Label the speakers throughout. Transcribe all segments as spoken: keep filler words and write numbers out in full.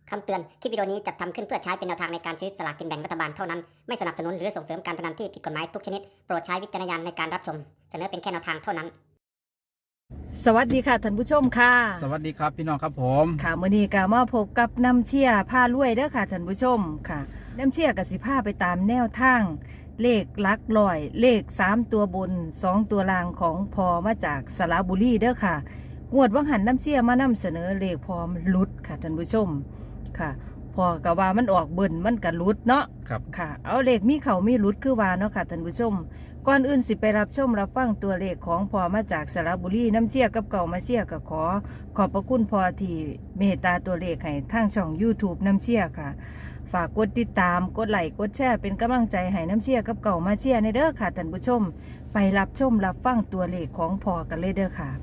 Speaker 1: คำเตือน คลิปวิดีโอนี้จัดทำขึ้นเพื่อใช้เป็นแนวทางในการซื้อสลากกินแบ่งรัฐบาลเท่านั้น ไม่สนับสนุนหรือส่งเสริมการพนันที่ผิดกฎหมายทุกชนิด โปรดใช้วิจารณญาณในการรับชม เสนอเป็นแค่แนวทางเท่านั้น
Speaker 2: สวัสดีค่ะท่านผู้ชมค่ะ
Speaker 3: สวัสดีครับพี่น้องครับผม
Speaker 2: ค่ะมื้อนี้ก็มาพบกับน้ำเชี่ยผ้ารวยเด้อค่ะท่านผู้ชมค่ะน้ำเชี่ยกับสิผ้าไปตามแนวทาง เลขหลักร้อย เลขสามตัวบนสองตัวล่างของพอมาจากสระบุรีเด้อค่ะงวดวังหันน้ำเชี่ยมานำเสนอเลขพร้อมลุดค่ะท่านผู้ชมค่ะพอก็ว่ามันออกเบิ่นมันก็ลุดเนาะ
Speaker 3: ครับ
Speaker 2: ค่ะเอาเลขมีเขามีรุดคือว่าเนาะค่ะท่านผู้ชมก่อนอื่นสิไปรับชมรับฟังตัวเลขของพอมาจากสระบุรีน้ำเชี่ยกับเก่ามาเชี่ยก็ขอขอบพระคุณพอที่เมตตาตัวเลขให้ทางช่อง YouTube น้ำเชี่ยค่ะฝากกดติดตามกดไลค์กดแชร์เป็นกำลังใจให้น้ำเชี่ยกับเก่ามาเชี่ยในเด้อค่ะท่านผู้ชมไปรับชมรับฟังตัวเลขของพอกันเลยเด้อค่ะ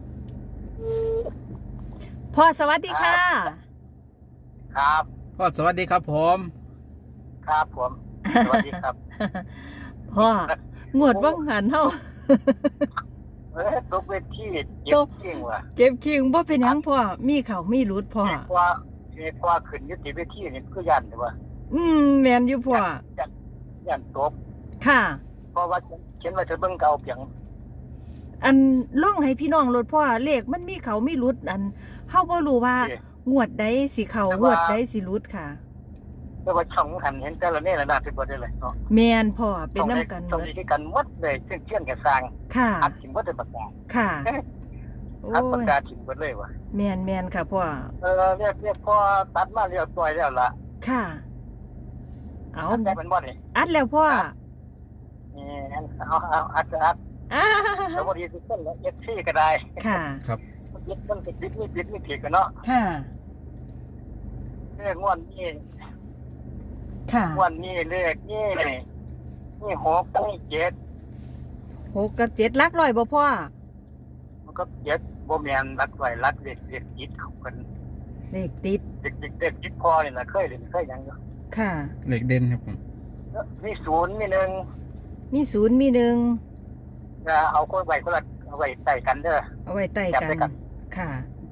Speaker 2: พอสวัสดีค่ะ
Speaker 4: ครับ
Speaker 3: ก็สวัสดีครับผม
Speaker 4: ครับผม สวัสดีครับ
Speaker 2: พ่องวดวังหันเฮา
Speaker 4: เอ้ยตกเวทีเจ็
Speaker 2: ต
Speaker 4: บ
Speaker 2: ก
Speaker 4: จริงว่ะ
Speaker 2: เก็บคิงบ่เป็นหยังพ่อมีเขามีรุดพ่อ
Speaker 4: เจ็บกว่าเจ็บกว่าขึ้นอยุติเวทีนี่คือยันใช่ป่ะ
Speaker 2: อืมแมนอยู่พ่อ
Speaker 4: ยันยันตก
Speaker 2: ค่ะ
Speaker 4: เพราะว่าเขียนว่าจะเบิ่งเก่าเพียง
Speaker 2: อันล่องให้พี่น้องรถพ่อเลขมันมีเขามีรุดอันเฮาบ่รู้ว่า
Speaker 4: เอ๊ะ
Speaker 2: งวดใดสิเขา
Speaker 4: แต่
Speaker 2: ง
Speaker 4: ว่า
Speaker 2: วดใดสิรุดค่ะ
Speaker 4: แต่ว่าช่องหันเห็นแต่ละเนี่ยระดับเป็นบ่ได้เลยเนาะ
Speaker 2: แมนพ่อเป็นน้ำกัน
Speaker 4: ช่อง
Speaker 2: เบิด
Speaker 4: นี้คือกันหมดเลยเชื่อนเชื่อนกับสร้าง
Speaker 2: ค่ะ
Speaker 4: อัดถิ่มบ่ได้ประกาศ
Speaker 2: ค่ะโอ้
Speaker 4: อัดประ
Speaker 2: ย
Speaker 4: กาศถิ่มบ่เลยว่ะ
Speaker 2: แมนแมนค่ะพ่อ
Speaker 4: เออเรียกเรียกพอตัดมาเรียบร้อยแล้วล่ะ
Speaker 2: ค่ะ เอา
Speaker 4: อัดได้มันบ่นี่
Speaker 2: อัดแล้วพ่อ
Speaker 4: นี่เอาเอาอัดอัด
Speaker 2: อ้า
Speaker 4: สวัสดีทุกคนและเอฟซีก็ได้
Speaker 2: ค่ะ
Speaker 3: ครับ
Speaker 4: ยึดมันติดยึดไม่ติดไม่ผิดกันเนาะ
Speaker 2: ค่ะ
Speaker 4: เลขงวดนี้
Speaker 2: ค่ะ
Speaker 4: งวดนี้เลขนี่นี่หกนี่เจ็ด
Speaker 2: หกกับเจ็ดหลักร้อยบ่พ่อ
Speaker 4: มันก็เจ็ดบ่แม่นรักไว้รักเด็กเด็กจิตเขากัน
Speaker 2: เลขติด
Speaker 4: เด็กเด็กเด็กจิตพอนี่นะเคยเล่นเคยหยังอยู่
Speaker 2: ค่ะ
Speaker 3: เหล็กเด่นครับผม
Speaker 4: มีศูนย์มีหนึ่ง
Speaker 2: มีศูนย์มีหนึ่ง
Speaker 4: จะเอาคนไว้คนละเอาไว้ใส่กันเด้อ
Speaker 2: เอาไว้ใต้
Speaker 4: จับ
Speaker 2: กัน
Speaker 4: ด้วยกัน
Speaker 2: ค่ะ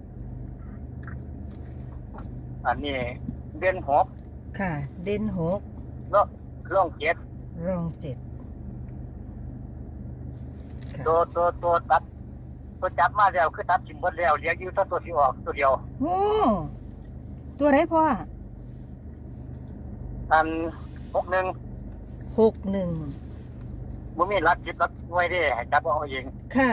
Speaker 4: อันนี้เดือนหก
Speaker 2: ค่ะ เด่นหก
Speaker 4: เนาะร่องเจ็ด
Speaker 2: รองเจ็ดค่ะ
Speaker 4: ตัวตัวตัวตัดตัวจับมาแล้วคือตัดถิ่มหมดแล้วเหลืออยู่ตัวตัวที่ออกตัวเดียว
Speaker 2: โอ้ตัวไหนพ่อ
Speaker 4: อันหกหนึ่ง
Speaker 2: หกหนึ่ง
Speaker 4: บ่มีรักจิตรักไว้ได้ให้จับเอาเอง
Speaker 2: ค่ะ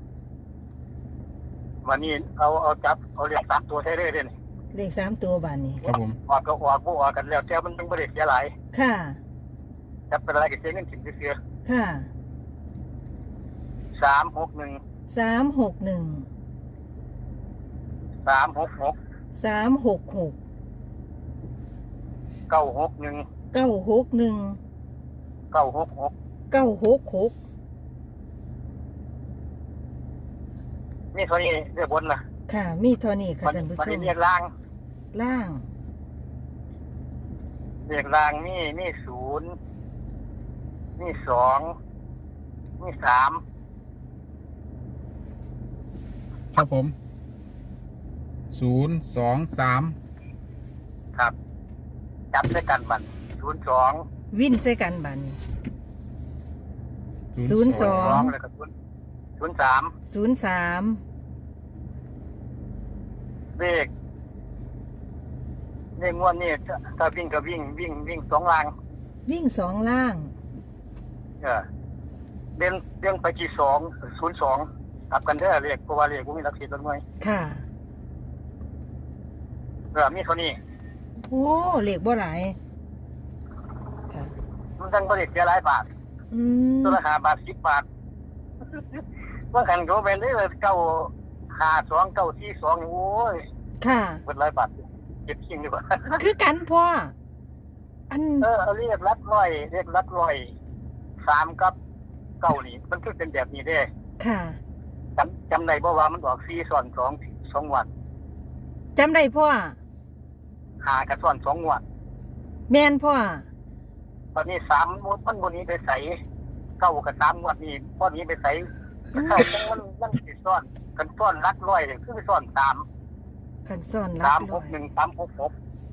Speaker 4: วันนี้เอาเอาจับเอาเรียกสามตัวใช้ได้เลยนี่
Speaker 2: เลขสามตัวบานนี้
Speaker 3: ครับผม
Speaker 4: ออกก็ออกบ่ออกกันแล้วแต่มันต้องบ่ได้เสียหลาย
Speaker 2: ค่ะ
Speaker 4: จับเป็นอะไรก็เสียเงินถึงเสีย
Speaker 2: ค่ะ
Speaker 4: สามหกหนึ่ง
Speaker 2: สามหกหนึ่ง
Speaker 4: สามหกหก
Speaker 2: สามหกหก
Speaker 4: เก้าหกหนึ่ง
Speaker 2: เก้าหกหนึ่ง
Speaker 4: เก้าหกหก
Speaker 2: เก้าหกหก
Speaker 4: นี่เท่านี้เรียกบนนะ
Speaker 2: ค่ะ มีเท่านี้ค่ะ
Speaker 4: วัน
Speaker 2: ท่านผู้
Speaker 4: วัน
Speaker 2: ช
Speaker 4: นี้
Speaker 2: ม
Speaker 4: เรียกล่าง
Speaker 2: ล่าง
Speaker 4: เรียกล่างนี่นี่ศูนย์นี่สองนี่สาม
Speaker 3: ครับผมศูนย์สองสาม
Speaker 4: ครับ จับด้วยกันบันศูนย์สอง
Speaker 2: วินใส่กันบานนี้ ศูนย์สอง
Speaker 4: แล้วก็ศูนย์ศูนย์สาม
Speaker 2: ศูนย์สาม
Speaker 4: เลขเลขงวดนี่ถ้าวิ่งก็วิ่งวิ่งวิ่งสองล่าง
Speaker 2: วิ่งสองล่าง
Speaker 4: เออเดินเดินไปที่สองศูนย์สองกลับกันเด้อเรียกเพราะว่าเรียกกูมีรักสิทธิ์ต้นไม้
Speaker 2: ค่ะ
Speaker 4: เออมีเท่านี้
Speaker 2: โอ้เลขบ่หลายค่ะ
Speaker 4: มันทั้งบริษัทเสียหลายบาท
Speaker 2: อืม
Speaker 4: ตัวละห้าบาทสิบบาทว่าขันเขาเป็นได้เลยเก้าห้าสองเก้าสี่สองโอ้ย
Speaker 2: ค่ะ
Speaker 4: เป็นหลายบาทเก็บจริงดีกว่า
Speaker 2: คือกันพ่อ อัน
Speaker 4: เออเอาเรียกรัดร้อยเรียกรัดร้อยสามกับเก้านี่มันคือเป็นแบบนี้เด้
Speaker 2: ค่ะ
Speaker 4: จำจำได้บ่ว่ามันออกสี่ซ้อนสองสองวัน
Speaker 2: จำได้พ่อ
Speaker 4: หากับซ้อนสองวัน
Speaker 2: แม่นพ่อ
Speaker 4: ตอนนี้สามมันบนนี้ไปใส่เก้ากับสามวันนี้ตอนนี้ไปใส่เข้าจังมันมันสิซ้อนกันซ้อนรัดร้อยเลยคือไปซ้อนสาม
Speaker 2: ขันซ่อนรั
Speaker 4: สาม
Speaker 2: ก
Speaker 4: ห
Speaker 2: ร้อก ย
Speaker 4: หนึ่งสามหกหก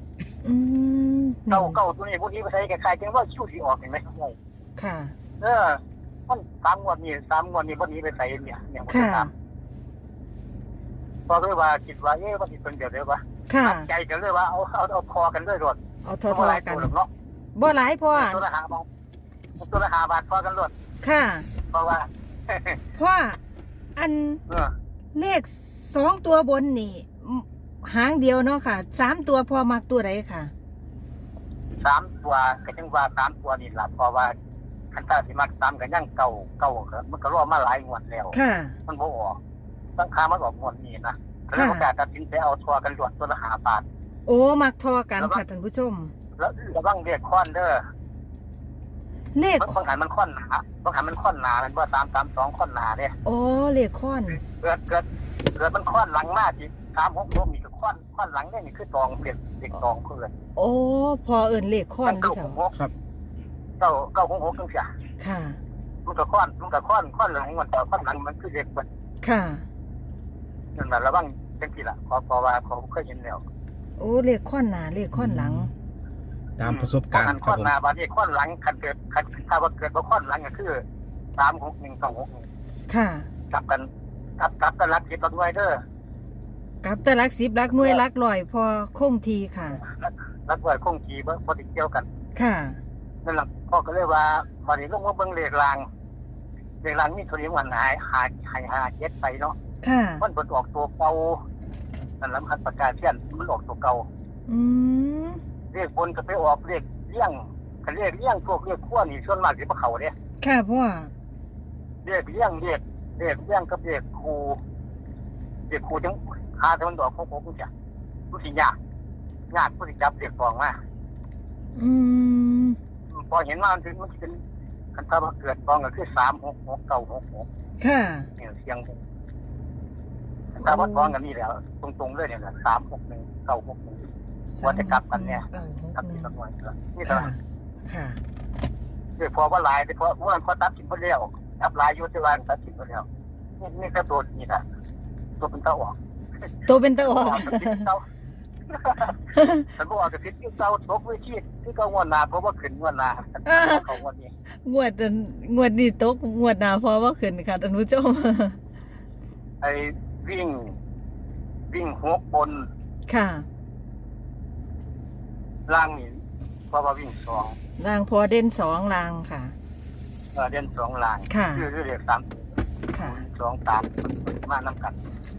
Speaker 2: อืม
Speaker 4: เก้าเก้าตัวนี้พวกนี้ไปใช้คล้ายๆจังว่าคิวที่ออกเห็นไหมครับ
Speaker 2: ค่ะ
Speaker 4: เออมันสามงวดนี่สามงวดนี่พวกนี้ไปใส่เนี่ยเนี่ยผม
Speaker 2: ค่ะ
Speaker 4: จะถามพอเลยว่าคิดว่าเอ๊ะว่าสิเป็นเดียวเดียววะ
Speaker 2: ค่ะ
Speaker 4: ตัดใจกันเลยว่าเอาเอาเอาคอกันเลยรถ
Speaker 2: เอาทอทอกัน
Speaker 4: เนาะ
Speaker 2: บ่หลายพ่อ
Speaker 4: ตัวละหาบาทตัวละหาบาทพอกันรถ
Speaker 2: ค่ะ
Speaker 4: เพราะว่า
Speaker 2: พ่ออัน
Speaker 4: เออ
Speaker 2: เลขสองตัวบนนี่อืมหางเดียวเนาะค่ะสามตัวพ่อมักตัวไหนค่ะ
Speaker 4: สามตัวก็จังว่าสามตัวนี่แหละเพราะว่าคันตาสิมักสามกันยังเก่าเก่าครับมันก็รอมาหลายงวดแล้ว
Speaker 2: ค่ะ
Speaker 4: มันบ่ออกตั้งค่ามันออกงวดนี้นะแล้วประกาศตัดสินใจเอาทัวร์กันรวดตัวละหาบาท
Speaker 2: โอ้มักทอกันค่ะท่านผู้ชม
Speaker 4: แล้วระวังเรียกค้อนเด้อ
Speaker 2: เลข
Speaker 4: บางหันมันค้อนหนาบางหันมันค้อนหนามันว่าสามสามสองค้อนหนาเนี่ย
Speaker 2: โอ้เลขค้อน
Speaker 4: เกิดเกิดเกิดมันค้อนหลังมากอีกสามหกลมอีกค้อนค้อนหลังเนี่ยนี่คือตองเปลี่ยนเด็กตองเพื่อน
Speaker 2: โอ้พอเอิญเลขค้อน
Speaker 4: เก้า
Speaker 2: ที่
Speaker 4: ห
Speaker 2: เขา
Speaker 4: กหก
Speaker 3: ครับ
Speaker 4: เก้าเก้าหกหกจังเสีย
Speaker 2: ค่ะ
Speaker 4: มันก็ค้อนมันก็ค้อนค้อนหลังมันแต่ค้อนหลังมันคือเด็กมัน
Speaker 2: ค่ะ
Speaker 4: นั่นแหละระวังจังที่ละขอพอว่าเขาเคยเห็นแล้ว
Speaker 2: โอ้เลขค้อนหนาเลขค้อนหลัง
Speaker 3: ตามประสบการณ์ค
Speaker 4: ค้
Speaker 3: รั
Speaker 4: อบ น
Speaker 3: ผม
Speaker 4: หนาบาดนี้ค้อนหลังคันเกิดคันถ้าว่าเกิดว่าค้อนหลังก็คือสามหกหนึ่งสองหกหนึ่ง
Speaker 2: ค่ะ
Speaker 4: กลับกันกลับกลับกันรักคิดตัวด้วยเด้อ
Speaker 2: กับแต่ลักสิบลักหน่วยลักลอยพอคงทีค่ะ
Speaker 4: รักไว้คงจีบ่บ่ติดเกี่ยวกัน
Speaker 2: ค่ะ
Speaker 4: นั่นแหละพ่อก็เลยว่าพอนี้ลงมาเบิ่งเลขรางเลขรางนี่ตัวนี้มันหายหาหายหาเจ็ดไปเนาะ
Speaker 2: ค่ะ
Speaker 4: มันเปิดออกตัวเก่านั่นแหละมันประกาศเช่นมันออกตัวเก่า
Speaker 2: อืม
Speaker 4: เลขบนก็ไปออกเลขเลี้ยงคันเลขเลี้ยงพวกเลขขั้วนี่ส่วนมากสิบ่เข้าเด้
Speaker 2: ค่ะพ่อ
Speaker 4: เลขเลี้ยงเลขเลขเลี้ยงกับเลขครูเลขครูจังคาแต่มันออกของผมจ้ะมันสิยากยากผู้ที่จับเลขฟองมา
Speaker 2: อืม
Speaker 4: พอเห็นว่ามันถึงมันสิเป็นคันถ้าว่าเกิดฟองก็คือสามหกหกเก้าหกหก
Speaker 2: ค่ะ
Speaker 4: เนี่ยเสียงถ้าวัดฟองกันนี่แหล้วตรงๆเลยเนี่ยสามหกหนึ่งเก้าหกหนึ่ง ว่าจะกลับกันเนี่ย
Speaker 2: เก้าหก
Speaker 4: ครับ
Speaker 2: หนึ่
Speaker 4: ที่
Speaker 2: ง
Speaker 4: ตำรวจนี่ต
Speaker 2: ค่ะ
Speaker 4: ลาด
Speaker 2: ค่ะ
Speaker 4: ด้วยพอว่าหลายแต่พอว่าพอตัดสินพอเลี้ยวตับหลายยุทธวานตัดสินพอเลี้ยวนี่นี่ก็ตัวนี่นะตัวเป็นเต้าออก
Speaker 2: ตัวเป็นตะออก
Speaker 4: กับพิษเต้าฉันบอกกับพิษเต้าตกวิชีที่ก็งวดนาเพราะว่าขึ้นงวดนาเขางวดนี้
Speaker 2: งวดอันงวดนี้ตกงวดหนาพอว่าขึ้นค่ะท่านผู้ชม
Speaker 4: ไอ้วิ่ง วิ่งหกบน
Speaker 2: ค่ะ
Speaker 4: ล่างนี่เพราะว่าวิ่งสอง
Speaker 2: รางพอเด่นสองรางค่ะ
Speaker 4: เออเด่นสองล่าง
Speaker 2: ค่ะ
Speaker 4: คือเรียกสาม
Speaker 2: ค่ะ
Speaker 4: สองสามมาน้ำกัน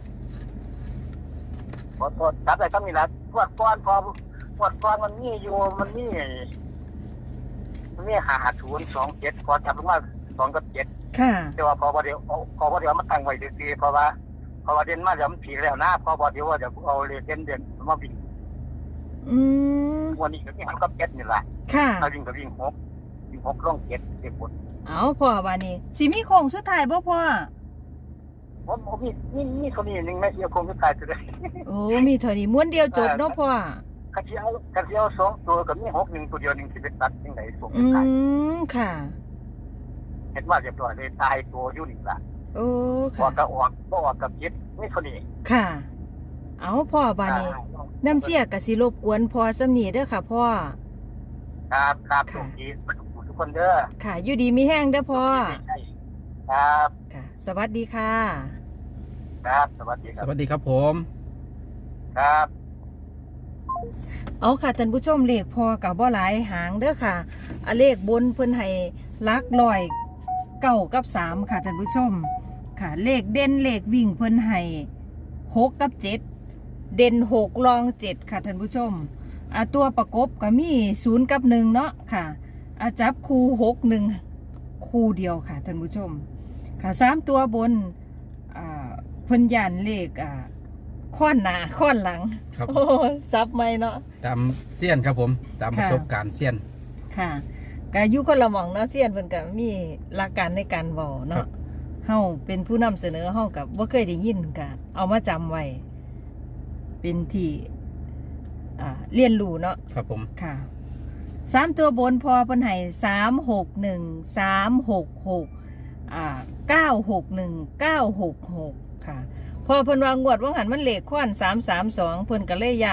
Speaker 4: ขอโทษจับได้ก็มีแล้วปวดก้อนพอปวดก้อนมันนี่อยู่มันนี่มันนี่หาศูนย์สองเจ็ดพอจับลงมาสองกับเจ็ด
Speaker 2: ค่ะ
Speaker 4: แต่ว่าพอพอเดี๋ยวพอพอเดี๋ยวมาตั้งไว้ดีๆเพราะว่าเพราะว่าเด่นมาเดี๋ยวมันผีแล้วนะพอพอเดี๋ยวว่าเดี๋ยวเอาเรียนเด่นเด่นมาวิ่ง
Speaker 2: อืม
Speaker 4: วันนี้ก็วิ่งหันกับเจ็ดนี่แหละ
Speaker 2: ค่ะ
Speaker 4: ถ้าวิ่งก็วิ่งหกวิ่งหกร่องเจ็ดเด็กบน
Speaker 2: เอาพ่อวานี่สิมีโค้งสุดท้ายบ่พ่อ
Speaker 4: ผมผมมีนี่นี่คนนี้หนึ่งแม่เสียคงจะตายตัวเลย
Speaker 2: โอ้มีเท่านี้ม้วนเดียวจบเนาะพ่อ
Speaker 4: กระเจียวกระเจียวสองตัวกับมีหกหนึ่งตัวเดียวหนึ่งที่เป็นตัดยังไงส่ง
Speaker 2: อื
Speaker 4: ไป
Speaker 2: มค่ะ
Speaker 4: เห็นว่าเรียบร้อยเลยตายตัวอยู่นี่ละ
Speaker 2: โอ้
Speaker 4: พอ
Speaker 2: ค่ะ
Speaker 4: กระออกก็ออกกับยึดนี่คนนี้
Speaker 2: ค่ะ เอาพ่อบานี่น้ำเชี่ยกะสิรบกวนพ่อสำนีเด้อค่ะพ่อ
Speaker 4: ครับครับทุกทีทุกคนเด้อ
Speaker 2: ค่ะ อยู่ดีมีแห้งเด้อพ่อ
Speaker 4: ครับ
Speaker 2: ค่ะ สวัสดีค่ะ
Speaker 4: ครับสวัสดีค
Speaker 3: ส
Speaker 4: รับ
Speaker 3: วัสดีครับผม
Speaker 4: ครับ
Speaker 2: เอาค่ะท่านผู้ชมเลขพอกับบ่หลายหางเด้อค่ะอะเลขบนเพิ่นให้ลักลอยเก้ากับสามค่ะท่านผู้ชม ค่ะ เลขเด่นเลขวิ่งเพิ่นให้หกกับเจ็ดเด่นหกรองเจ็ดค่ะท่านผู้ชมอ่าตัวประกบก็มีศูนย์กับหนึ่งเนาะค่ะอาจับคู่หกหนึ่งคู่เดียวค่ะท่านผู้ชม ค่ะสามตัวบนอ่าเพิ่นยันเลขอ่าข้อนหน้าข้อนหลัง
Speaker 3: ครับ
Speaker 2: โอ้ซับไม่เนาะ
Speaker 3: ตามเซียนครับผม ตาม
Speaker 2: ค่ะ
Speaker 3: ประสบการณ์เซียน
Speaker 2: ค่ะกายุคนละหมองเนาะเซียนเพิ่นก็มีหลักการในการเว้า
Speaker 3: ครั
Speaker 2: เนาะ
Speaker 3: บ
Speaker 2: เฮาเป็นผู้นำเสนอเฮากับบ่เคยได้ยินก็เอามาจำไว้เป็นที่อ่าเรียนรู้เนาะ
Speaker 3: ครับผม
Speaker 2: ค่ะสามตัวบนพอเพิ่นให้สามหกหนึ่งสามหกหกอ่าเก้าหกหนึ่งเก้าหกหกค่ะ พอเพิ่นวางงวดว่าหันมันเลขค้อนสามสามสองเพิ่นก็เลยยัน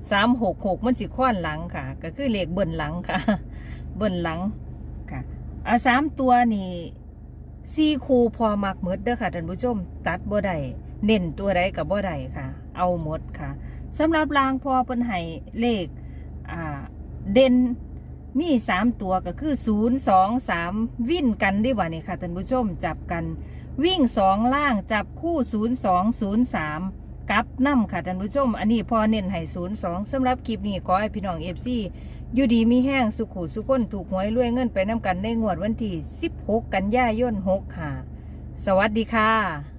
Speaker 2: สามหกหกมันสิค้อนหลังค่ะ ก็คือเลขเบิ่นหลังค่ะ เบิ่นหลังค่ะอ่าสามตัวนี่สี่คูพอมักหมดเด้อค่ะท่านผู้ชมตัดบ่ได้เน้นตัวใดกับบ่ได้ค่ะ เอาหมดค่ะสำหรับรางพอเพิ่นให้เลขอ่าเด่นมีสามตัวก็คือศูนย์สองสามวิ่นกันได้ว่านี่ค่ะท่านผู้ชมจับกันวิ่งสองล่างจับคู่ศูนย์สองศูนย์สามกับน้ำค่ะท่านผู้ชมอันนี้พอเน้นให้ศูนย์สองสำหรับคลิปนี้ขอให้พี่น้องเอฟซีอยู่ดีมีแห้งสุขุสุขคนถูกหวยรวยเงินไปน้ำกันในงวดวันที่สิบหกกันยายนหกค่ะสวัสดีค่ะ